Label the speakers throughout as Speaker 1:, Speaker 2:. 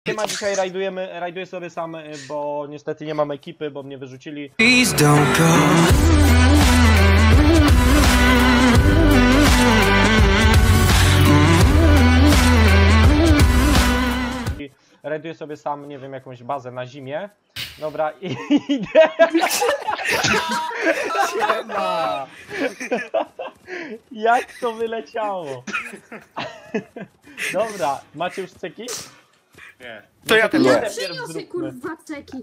Speaker 1: Siema, dzisiaj rajduję sobie sam, bo niestety nie mam ekipy, bo mnie wyrzucili.
Speaker 2: Please don't go.
Speaker 1: Rajduję sobie sam, nie wiem, jakąś bazę na zimie. Dobra, i idę. Siema. Jak to wyleciało? Dobra, macie już ceki?
Speaker 3: Nie.
Speaker 4: To ja też
Speaker 1: nie.
Speaker 5: Przyniosę kurwa ceki.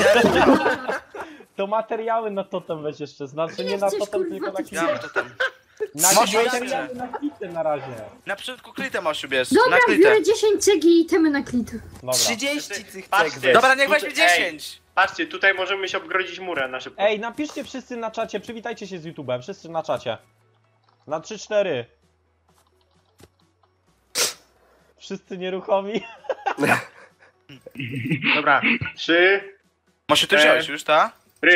Speaker 1: To materiały na totem weź jeszcze, znaczy nie na
Speaker 5: chcesz,
Speaker 1: totem,
Speaker 5: kurwa,
Speaker 1: tylko na
Speaker 5: ty
Speaker 1: klitę.
Speaker 4: Ja mam to tam.
Speaker 1: Na
Speaker 4: Masz
Speaker 1: materiały na klitę na razie.
Speaker 4: Na początku klitę masz ubierz.
Speaker 5: Dobra,
Speaker 4: Na klitę.
Speaker 5: biorę 10 cegi i itemy na klitę.
Speaker 1: Dobra.
Speaker 2: 30 tych
Speaker 3: Patrzcie.
Speaker 2: cek weź.
Speaker 4: Dobra, niech
Speaker 3: Tutaj-
Speaker 4: weźmie 10.
Speaker 3: Patrzcie, tutaj możemy się obgrodzić murem na szybko.
Speaker 1: Ej, napiszcie wszyscy na czacie, przywitajcie się z YouTube'em, wszyscy na czacie. Na 3-4. Wszyscy nieruchomi.
Speaker 3: Dobra, 3,
Speaker 4: Może ty wziąłeś już, ta?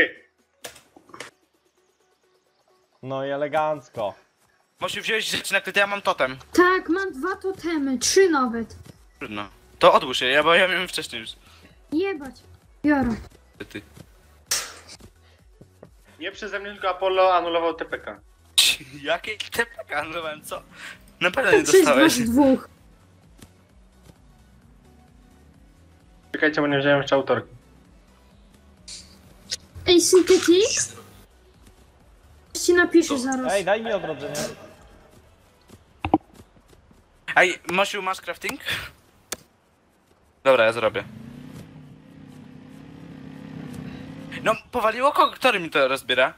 Speaker 1: No i elegancko.
Speaker 4: Może wziąłeś rzeczy na klitę, ja mam totem.
Speaker 5: Tak, mam 2 totemy, 3 nawet.
Speaker 4: Trudno. To odłóż je, bo ja miałem wcześniej już.
Speaker 5: Jebać. Biorę.
Speaker 4: Ty.
Speaker 3: Nie przeze mnie, tylko Apollo anulował TPK.
Speaker 4: Jakie TPK anulowałem, co? Na pewno nie
Speaker 5: Przez
Speaker 4: dostałeś.
Speaker 5: was dwóch.
Speaker 3: Czekajcie, bo nie wziąłem jeszcze autorki.
Speaker 5: Ej, Synthetic? Ci napiszę zaraz.
Speaker 1: Ej, daj mi odrodzenie.
Speaker 4: Ej, Mosiu, masz crafting? Dobra, ja zrobię. No, powaliło kogo? Który mi to rozbiera?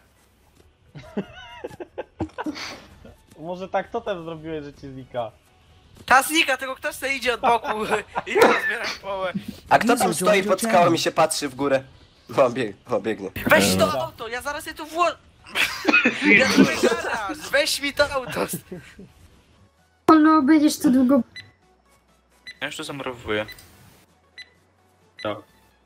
Speaker 1: Może tak totem zrobiłeś, że ci znika.
Speaker 4: Ta znika, tego ktoś sobie idzie od boku i rozbiera połowę.
Speaker 2: A kto tam stoi pod skałą i się patrzy w górę? O, biegnie.
Speaker 4: Weź to auto, ja zaraz je tu ja zrobię garaż, weź mi to auto.
Speaker 5: No, będziesz tu długo.
Speaker 4: Ja już to zamurowuję.
Speaker 3: No.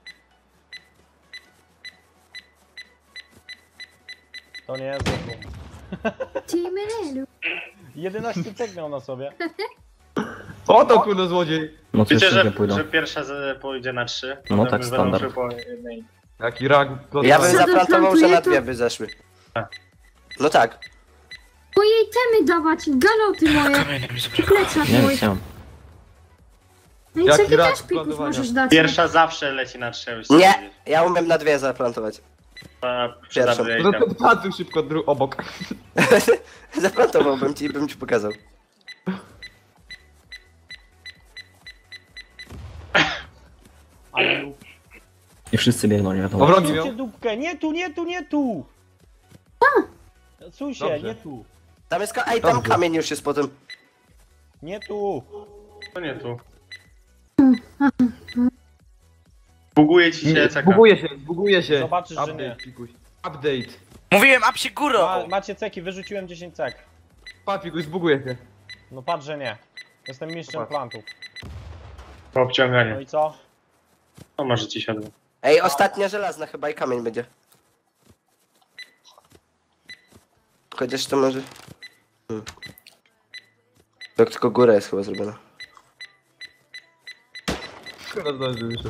Speaker 1: To nie jest złym.
Speaker 5: Team
Speaker 1: 11 cek miał na sobie.
Speaker 6: O to kurde złodziej!
Speaker 7: No to
Speaker 3: Wiecie,
Speaker 7: jeszcze nie pójdą.
Speaker 3: że pierwsza pójdzie na 3.
Speaker 7: No tak, standard.
Speaker 6: Jaki rak.
Speaker 2: Ja bym
Speaker 5: Co to
Speaker 2: zaplantował, że na
Speaker 5: plantuje,
Speaker 2: 2
Speaker 5: to-
Speaker 2: by zeszły.
Speaker 3: Tak.
Speaker 2: No tak.
Speaker 5: Moje itemy dawać, galoty moje.
Speaker 4: Kamienie mi zabrakło.
Speaker 5: Plecak
Speaker 7: Nie
Speaker 5: mój.
Speaker 7: chciałem.
Speaker 5: No i
Speaker 6: Jaki
Speaker 5: cegi
Speaker 6: rak
Speaker 5: też pików
Speaker 6: planowania.
Speaker 5: możesz dać.
Speaker 3: Pierwsza zawsze leci na 3.
Speaker 2: Nie, ja umiem na 2 zaplantować. Pierwszą.
Speaker 6: No to plantuj szybko obok.
Speaker 2: Zaplantowałbym ci i bym ci pokazał.
Speaker 1: Ale lub.
Speaker 7: I wszyscy biegną, nie wiadomo.
Speaker 6: O wrogi miał.
Speaker 1: Słuchajcie dupkę, nie tu, nie tu, nie tu! Słuchaj się,
Speaker 6: Dobrze.
Speaker 1: nie tu.
Speaker 2: Tam jest ej, tam
Speaker 6: Dobrze.
Speaker 2: kamień już jest potem.
Speaker 1: Nie tu.
Speaker 3: To nie tu. Buguje ci się CK.
Speaker 6: Buguje się.
Speaker 1: Zobaczysz, że
Speaker 6: Update,
Speaker 1: nie.
Speaker 6: pikuś. Update.
Speaker 4: Mówiłem, a przy górą!
Speaker 1: Macie ceki, wyrzuciłem 10 cek.
Speaker 6: Patrz, pikuś, zbuguje się.
Speaker 1: No patrz, że nie. Jestem mistrzem
Speaker 6: Zobacz.
Speaker 1: plantów.
Speaker 3: Po
Speaker 1: No
Speaker 3: obciąganiu.
Speaker 1: i co?
Speaker 3: No może ci siadło.
Speaker 2: Ej, ostatnia żelazna chyba i kamień będzie. Chociaż to może... To tylko góra jest chyba zrobiona.
Speaker 6: Kurde zdąży wyszedł.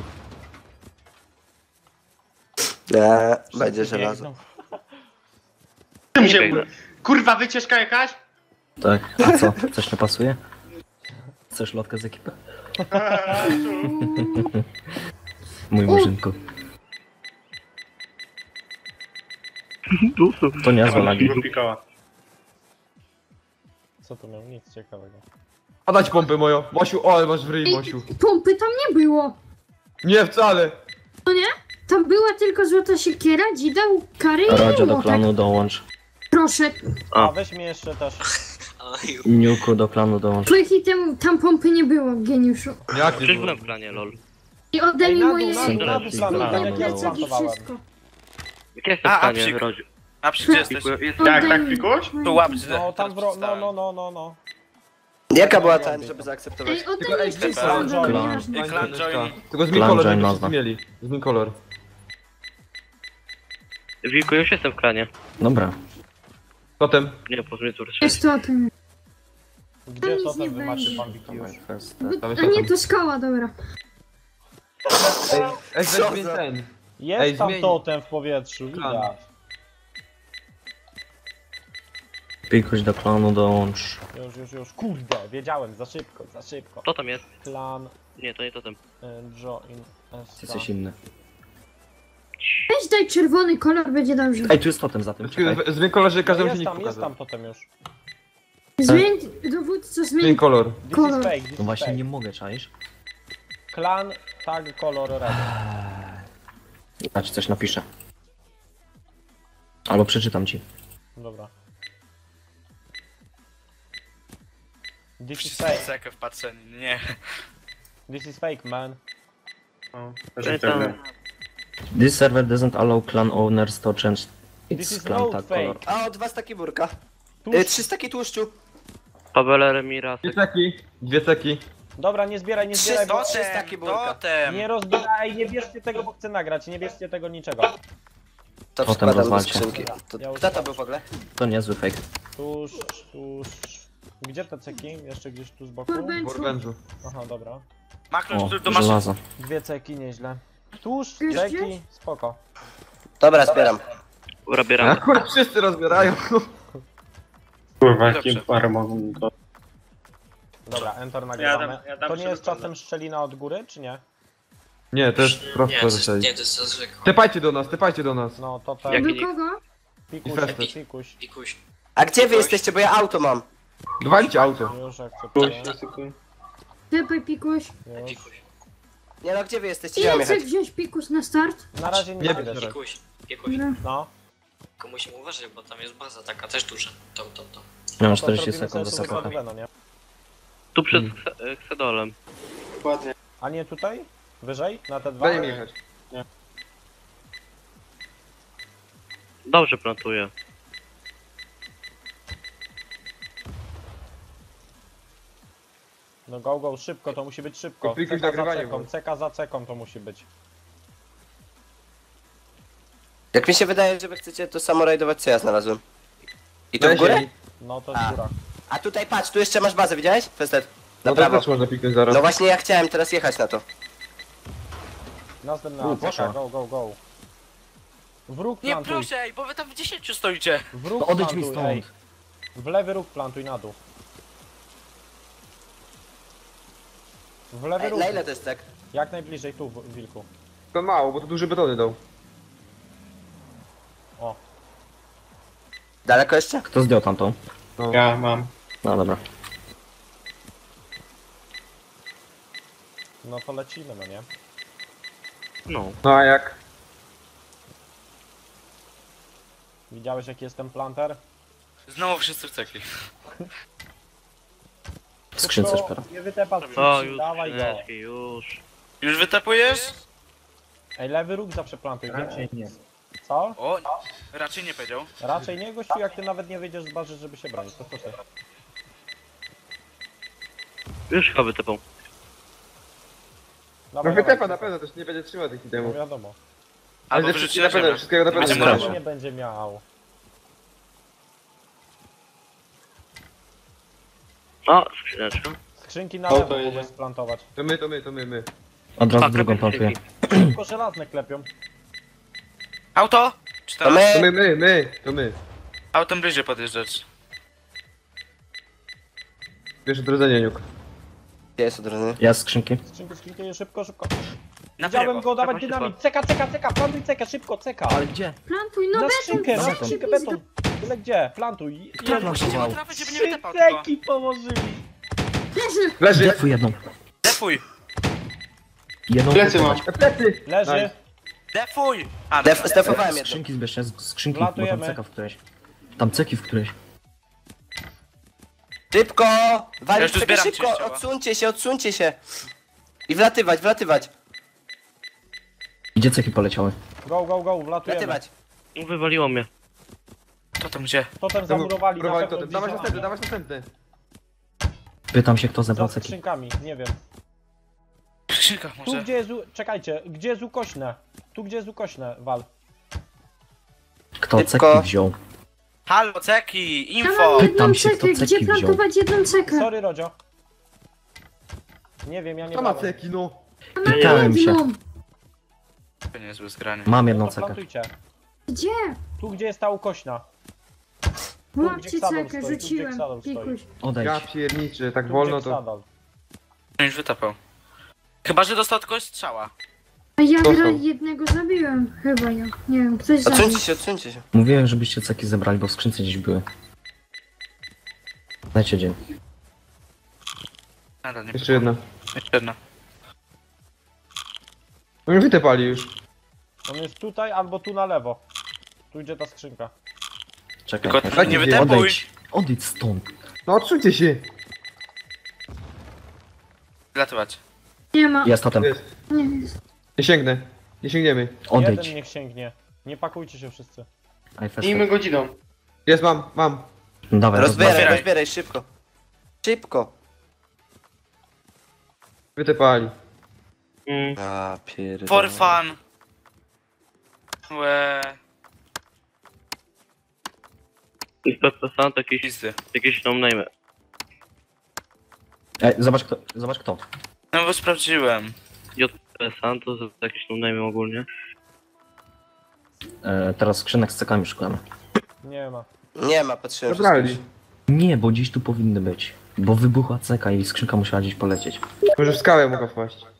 Speaker 2: Nie, będzie żelazo.
Speaker 1: Biegną.
Speaker 3: Czym się... Kurwa, wycieczka jakaś?
Speaker 7: Tak, a co? Coś nie pasuje? Chcesz lotkę z ekipy? Mój murzynku. To niezłe lagi.
Speaker 3: Pikała.
Speaker 1: Co to miał? Nic ciekawego.
Speaker 6: A dać pompę moją. Mosiu, o, ale masz w ryj,
Speaker 5: Ej,
Speaker 6: Mosiu.
Speaker 5: pompy tam nie było.
Speaker 6: Nie, wcale.
Speaker 5: No nie? Tam była tylko złota siekiera, dzidał, kary i
Speaker 7: Rodzie do
Speaker 5: młotek.
Speaker 7: klanu dołącz.
Speaker 5: Proszę.
Speaker 1: A weź mnie jeszcze też.
Speaker 7: Niuku do klanu dołącz.
Speaker 5: Twoich item tam pompy nie było, geniuszu.
Speaker 6: Jak nie było?
Speaker 8: Byłem w planie, lol.
Speaker 5: I oddaj
Speaker 1: Ej,
Speaker 5: mi
Speaker 1: na dół,
Speaker 5: moje
Speaker 1: na dół, na dół
Speaker 7: Synthetic.
Speaker 1: plantuj, tak
Speaker 5: moje
Speaker 1: jak ja
Speaker 5: plecak i
Speaker 1: plantowałem.
Speaker 5: wszystko.
Speaker 8: Jak jestem
Speaker 4: A,
Speaker 8: w planie,
Speaker 4: psik.
Speaker 8: Rodziu.
Speaker 4: A przy gdzie jesteś?
Speaker 3: Tak, tak, pikuś?
Speaker 4: Tu łap,
Speaker 1: No tam no.
Speaker 2: Jaka była ta, żeby zaakceptować?
Speaker 5: Ej, oddaj
Speaker 6: Tylko,
Speaker 5: mi
Speaker 6: ej,
Speaker 5: wszystko,
Speaker 1: Clan
Speaker 5: dobra,
Speaker 7: Join.
Speaker 5: nieważne.
Speaker 4: Clan join.
Speaker 6: Tylko zmień
Speaker 7: Plan
Speaker 6: kolor,
Speaker 7: join
Speaker 6: żeby
Speaker 7: nazwa.
Speaker 6: wszyscy mieli. Zmień kolor.
Speaker 8: Wilku, już jestem w klanie.
Speaker 7: Dobra.
Speaker 6: Potem.
Speaker 8: Nie, po mnie tu
Speaker 5: Jest to o tym.
Speaker 1: Gdzie
Speaker 5: nic
Speaker 1: to
Speaker 5: nie
Speaker 1: ten wy macie
Speaker 5: będzie.
Speaker 1: pan Wiki już?
Speaker 6: Tam
Speaker 5: A
Speaker 6: jest
Speaker 5: nie,
Speaker 6: potem.
Speaker 5: to skała, dobra.
Speaker 6: Ej,
Speaker 2: Co
Speaker 6: weź
Speaker 2: za-
Speaker 6: ten.
Speaker 1: Jest
Speaker 6: Ej,
Speaker 1: tam
Speaker 6: zmień.
Speaker 1: totem w powietrzu,
Speaker 6: Klan.
Speaker 1: widać.
Speaker 7: Pikuś do klanu dołącz.
Speaker 1: Już. Kurde, wiedziałem, za szybko.
Speaker 8: Co tam jest?
Speaker 1: Klan
Speaker 8: Nie, to nie totem.
Speaker 1: Join
Speaker 7: Ty coś inny.
Speaker 5: Weź daj czerwony kolor, będzie dobrze.
Speaker 7: Ej, tu jest totem za tym, czekaj.
Speaker 6: Zmień kolor, że każdemu się
Speaker 1: Jest
Speaker 6: nie
Speaker 1: tam
Speaker 6: pokazał.
Speaker 1: totem już.
Speaker 5: Zmień dowódco,
Speaker 6: Zmień
Speaker 5: zmień.
Speaker 6: kolor.
Speaker 1: This
Speaker 5: Kolor.
Speaker 1: is fake, this
Speaker 7: No
Speaker 1: is
Speaker 7: właśnie
Speaker 1: fake.
Speaker 7: nie mogę, czaisz?
Speaker 1: Klan, tag, kolor, red.
Speaker 7: Znaczy coś napiszę. Albo przeczytam ci.
Speaker 1: Dobra. This is
Speaker 4: Wszyscy
Speaker 1: fake,
Speaker 4: sekę wpatrzeni, nie.
Speaker 1: this is fake, man.
Speaker 3: No, też
Speaker 8: Ej,
Speaker 3: mi tak
Speaker 8: tam.
Speaker 3: nie.
Speaker 7: This server doesn't allow clan owners to change
Speaker 1: This
Speaker 7: its
Speaker 1: is
Speaker 7: clan
Speaker 1: not
Speaker 7: tag
Speaker 1: fake.
Speaker 7: color.
Speaker 2: A, 2 staki burka.
Speaker 1: Tuż.
Speaker 2: 3 staki tłuszczu.
Speaker 8: Pawele Remira.
Speaker 6: Dwie ceki.
Speaker 1: Dobra, nie zbieraj, bo...
Speaker 2: Trzy staki burka.
Speaker 4: Totem.
Speaker 1: Nie rozbieraj, nie bierzcie tego, bo chcę nagrać, nie bierzcie tego niczego.
Speaker 2: To
Speaker 7: Potem
Speaker 2: wkładam do
Speaker 7: rozwalcie.
Speaker 2: skrzynki. To,
Speaker 1: Ja już
Speaker 2: kto to był w ogóle?
Speaker 7: To niezły fake.
Speaker 1: Tuż. Gdzie te ceki? Jeszcze gdzieś tu z boku?
Speaker 5: Kurwa.
Speaker 6: W Orbężu.
Speaker 1: Aha, dobra.
Speaker 4: Makro,
Speaker 7: O,
Speaker 4: tu masz...
Speaker 7: żelazo.
Speaker 1: Dwie ceki, nieźle. Tuż,
Speaker 5: Już
Speaker 1: ceki,
Speaker 5: gdzieś?
Speaker 1: spoko.
Speaker 2: Dobra, zbieram.
Speaker 8: Rabieramy.
Speaker 6: Akurat wszyscy rozbierają.
Speaker 3: Kurwa,
Speaker 4: Dobrze.
Speaker 3: jakim parę mogą to.
Speaker 1: Dobra, enter nagrywamy.
Speaker 3: ja dam
Speaker 1: To nie jest
Speaker 3: przykład.
Speaker 1: czasem szczelina od góry, czy nie?
Speaker 6: Nie, to jest prosto zasady.
Speaker 9: to jest zwykłe.
Speaker 6: Tepajcie do nas.
Speaker 1: No to ten...
Speaker 8: Jaki-
Speaker 5: Do kogo?
Speaker 1: Pikuś,
Speaker 6: I festy.
Speaker 1: pikuś.
Speaker 9: Pikuś.
Speaker 2: A gdzie wy jesteście, bo ja auto mam.
Speaker 6: Walcie auto.
Speaker 1: Już akceptuję.
Speaker 5: Tepaj pikuś.
Speaker 1: Już.
Speaker 9: Pikuś.
Speaker 2: Nie no, gdzie wy jesteście? Gdzie mam
Speaker 5: Ile chcesz
Speaker 2: jechać?
Speaker 5: wziąć pikuś na start?
Speaker 1: Na razie nie
Speaker 6: Nie
Speaker 1: będę.
Speaker 6: bierz.
Speaker 9: Pikuś. Pikuś.
Speaker 5: Dobra.
Speaker 1: No,
Speaker 9: Tylko musimy uważać, bo tam jest baza taka też duża. To.
Speaker 7: Ja mam
Speaker 1: to
Speaker 7: 40
Speaker 1: zrobimy
Speaker 7: sekund do
Speaker 1: sobie
Speaker 7: sakocha.
Speaker 1: zakładówę, no nie?
Speaker 8: Tu przed Xedolem.
Speaker 3: Dokładnie.
Speaker 1: A nie tutaj? Wyżej? Na te dwa?
Speaker 6: Daj mi jechać.
Speaker 8: Dobrze plantuję.
Speaker 1: No go, szybko, to musi być szybko.
Speaker 6: To pikuś
Speaker 1: Ceka za
Speaker 6: nagrywanie
Speaker 1: ceką,
Speaker 6: było.
Speaker 1: ceka za ceką to musi być.
Speaker 2: Jak mi się wydaje, że wy chcecie to samo rajdować, co ja znalazłem. I tu w górę?
Speaker 1: No to jest góra.
Speaker 2: A tutaj patrz, tu jeszcze masz bazę, widziałeś? Festet. Na
Speaker 6: No to
Speaker 2: prawo.
Speaker 6: też można piknąć zaraz.
Speaker 2: No właśnie ja chciałem teraz jechać na to.
Speaker 1: Następna
Speaker 7: poszła.
Speaker 1: ceka, go. Wróg
Speaker 4: Nie
Speaker 1: plantuj.
Speaker 4: proszę, ej, bo wy tam w 10 stoicie.
Speaker 1: Wróg
Speaker 7: No odejdź mi
Speaker 1: plantuj,
Speaker 7: stąd.
Speaker 1: ej. W lewy róg plantuj na dół. W lewy
Speaker 2: Ej,
Speaker 1: róg.
Speaker 2: na ile to jest tak?
Speaker 1: Jak najbliżej tu, wilku.
Speaker 6: To mało, bo to duże betony dał.
Speaker 1: O,
Speaker 2: Daleko jeszcze?
Speaker 7: Kto zdjął tamtą?
Speaker 3: Ja mam.
Speaker 7: No dobra.
Speaker 1: no to lecimy, no nie?
Speaker 8: No.
Speaker 6: No a jak?
Speaker 1: Widziałeś jaki jest ten planter?
Speaker 4: Znowu wszyscy w ceki.
Speaker 7: W skrzynce szpera.
Speaker 1: Nie wytepa
Speaker 8: O, już
Speaker 1: dawaj go.
Speaker 8: skrzyneczki, już.
Speaker 4: Już wytapujesz?
Speaker 1: Ej, lewy róg zawsze plantuj. Raczej nie. Co?
Speaker 4: O, raczej nie powiedział.
Speaker 1: Raczej nie, gościu, jak ty nawet nie wyjdziesz z bazy, żeby się bronić, to co ty?
Speaker 8: Już chyba wytepą.
Speaker 6: No
Speaker 1: Dawaj,
Speaker 6: wytepa
Speaker 1: dawaj.
Speaker 6: na pewno, też nie będzie trzymał tych
Speaker 1: No
Speaker 6: itemów.
Speaker 1: wiadomo.
Speaker 4: Albo
Speaker 6: Ale
Speaker 4: wyrzuci
Speaker 6: wszystkiego
Speaker 4: na
Speaker 6: na pewno,
Speaker 4: ziemię.
Speaker 6: wszystkiego na pewno
Speaker 4: Będzie
Speaker 6: nie
Speaker 4: brał.
Speaker 6: będzie.
Speaker 1: Nie będzie miał.
Speaker 8: O, skrzyneczka.
Speaker 1: Skrzynki na
Speaker 3: O,
Speaker 1: lewo
Speaker 3: to jedzie.
Speaker 1: mogę splantować.
Speaker 6: To my.
Speaker 7: Od razu
Speaker 8: Tak,
Speaker 7: drugą
Speaker 8: lepiej
Speaker 7: plantuję.
Speaker 8: skrzynki.
Speaker 1: Tylko żelazne klepią.
Speaker 4: Auto? Czy
Speaker 2: To
Speaker 4: tam?
Speaker 6: To my.
Speaker 4: Autem bliżej podjeżdżać.
Speaker 6: Wiesz odrodzenie, Niuk.
Speaker 2: Gdzie jest odrodzenie?
Speaker 7: Ja z skrzynki.
Speaker 1: Skrzynki, szybko.
Speaker 4: Na
Speaker 1: Widziałem
Speaker 4: prawo.
Speaker 1: go, dawać
Speaker 8: Dawaj,
Speaker 1: dynamit. Ceka, plantuj cekę, szybko, ceka.
Speaker 7: Ale gdzie?
Speaker 5: Plantuj, no
Speaker 1: Na
Speaker 5: beton.
Speaker 1: skrzynkę,
Speaker 7: na
Speaker 1: na
Speaker 7: beton.
Speaker 1: skrzynkę, beton. Tyle gdzie? Plantuj.
Speaker 7: Kto
Speaker 1: Jezu,
Speaker 7: plantował?
Speaker 4: Na trawę, żeby nie
Speaker 1: trzy
Speaker 4: wytapał tylko.
Speaker 1: ceki położyli.
Speaker 5: Leży.
Speaker 6: Leży!
Speaker 7: Defuj jedną.
Speaker 4: Defuj!
Speaker 7: Jedną.
Speaker 3: Plecy mam.
Speaker 6: Plecy!
Speaker 1: Leży.
Speaker 6: Nice.
Speaker 4: Defuj! A,
Speaker 2: Zdefowałem jedno.
Speaker 7: Skrzynki zbierz, skrzynki, bo tam
Speaker 1: Wlatujemy.
Speaker 7: ceka w którejś. Tam ceki w którejś.
Speaker 2: Szybko!
Speaker 4: Ja
Speaker 2: Walić
Speaker 4: już tu
Speaker 2: czekaj,
Speaker 4: zbieram
Speaker 2: szybko!
Speaker 4: częściowo.
Speaker 2: Odsuńcie się! I wlatywać!
Speaker 7: Gdzie ceki poleciały?
Speaker 1: Go, wlatujemy.
Speaker 2: Wlatywać!
Speaker 8: Wywaliło mnie.
Speaker 4: to tam gdzie?
Speaker 1: Potem zamurowali na
Speaker 6: Próbowali
Speaker 1: pewno
Speaker 6: to. Dawać
Speaker 1: bliżej.
Speaker 6: następny.
Speaker 7: Pytam się, kto
Speaker 1: Za
Speaker 7: zebrał ceki.
Speaker 1: skrzynkami, nie wiem.
Speaker 4: W skrzynkach
Speaker 1: Tu
Speaker 4: może.
Speaker 1: gdzie jest, czekajcie, gdzie jest ukośne? Tu gdzie jest ukośne, wal.
Speaker 7: Kto
Speaker 2: Szybko.
Speaker 7: ceki wziął?
Speaker 4: Halo, ceki!
Speaker 5: Ja
Speaker 4: Info!
Speaker 5: mam jedną
Speaker 7: Pytam się,
Speaker 5: cekę.
Speaker 7: kto
Speaker 5: Gdzie
Speaker 7: ceki wziął?
Speaker 5: plantować jedną cekę?
Speaker 1: Sorry, Rodzio. Nie wiem, ja nie
Speaker 6: To ma
Speaker 1: brałem.
Speaker 6: ceki, no.
Speaker 5: Ja mam
Speaker 7: Pytałem się.
Speaker 5: jedną.
Speaker 4: niezłe zgranie.
Speaker 7: Mam
Speaker 1: No
Speaker 7: jedną
Speaker 1: to
Speaker 7: cekę.
Speaker 1: plantujcie.
Speaker 5: Gdzie?
Speaker 1: Tu, gdzie jest ta ukośna.
Speaker 5: Łapcie
Speaker 1: gdzie Xadol
Speaker 5: cekę,
Speaker 1: stoi, tu, gdzie
Speaker 5: rzuciłem.
Speaker 1: Xadol stoi.
Speaker 5: Pikuś.
Speaker 7: Odejdź.
Speaker 6: Ja pierniczę, tak
Speaker 1: Tu,
Speaker 6: wolno
Speaker 1: gdzie
Speaker 6: to...
Speaker 1: Xadol.
Speaker 4: Już wytapał. Chyba, że dostał od kogoś strzała.
Speaker 5: A ja
Speaker 6: Dostał.
Speaker 5: jednego zabiłem. Chyba ja. Nie wiem, ktoś zabił.
Speaker 2: Odsuńcie się.
Speaker 7: Mówiłem, żebyście ceki zebrali, bo w skrzynce gdzieś były. Dajcie dzień.
Speaker 4: Nadal nie
Speaker 6: Jeszcze jedna.
Speaker 4: Jeszcze jedna.
Speaker 6: No mnie wytepali już.
Speaker 1: On jest tutaj albo tu na lewo. Tu idzie ta skrzynka.
Speaker 7: Czekaj.
Speaker 4: Tylko
Speaker 7: czekaj.
Speaker 4: nie wytepuj.
Speaker 7: Odejdź. Odejdź stąd.
Speaker 6: No odsuńcie się.
Speaker 4: Latywać.
Speaker 5: Nie ma.
Speaker 7: Jest totem.
Speaker 6: Jest.
Speaker 5: Nie jest.
Speaker 6: Nie sięgnę. Nie sięgniemy.
Speaker 7: Odejdź.
Speaker 1: Jeden niech sięgnie. Nie pakujcie się wszyscy.
Speaker 3: Miejmy godziną.
Speaker 6: Jest, mam.
Speaker 7: Dawaj,
Speaker 2: Rozbieraj,
Speaker 4: Otwieraj.
Speaker 2: rozbieraj, szybko. Szybko.
Speaker 6: Wytepali.
Speaker 2: A, pierdolę.
Speaker 4: For fun. Łe.
Speaker 8: Inspektor Stan to
Speaker 4: Pizdy.
Speaker 8: jakieś no-name.
Speaker 7: Ej, zobacz kto.
Speaker 4: No bo sprawdziłem.
Speaker 8: JP Santos to jakieś no-name ogólnie.
Speaker 7: Teraz skrzynek z cekami szukamy.
Speaker 1: Nie ma.
Speaker 2: Nie ma, patrzyłem.
Speaker 6: Zabrali.
Speaker 7: Nie, bo gdzieś tu powinny być. Bo wybuchła ceka i skrzynka musiała gdzieś polecieć.
Speaker 6: Może w skałę mogła wpaść.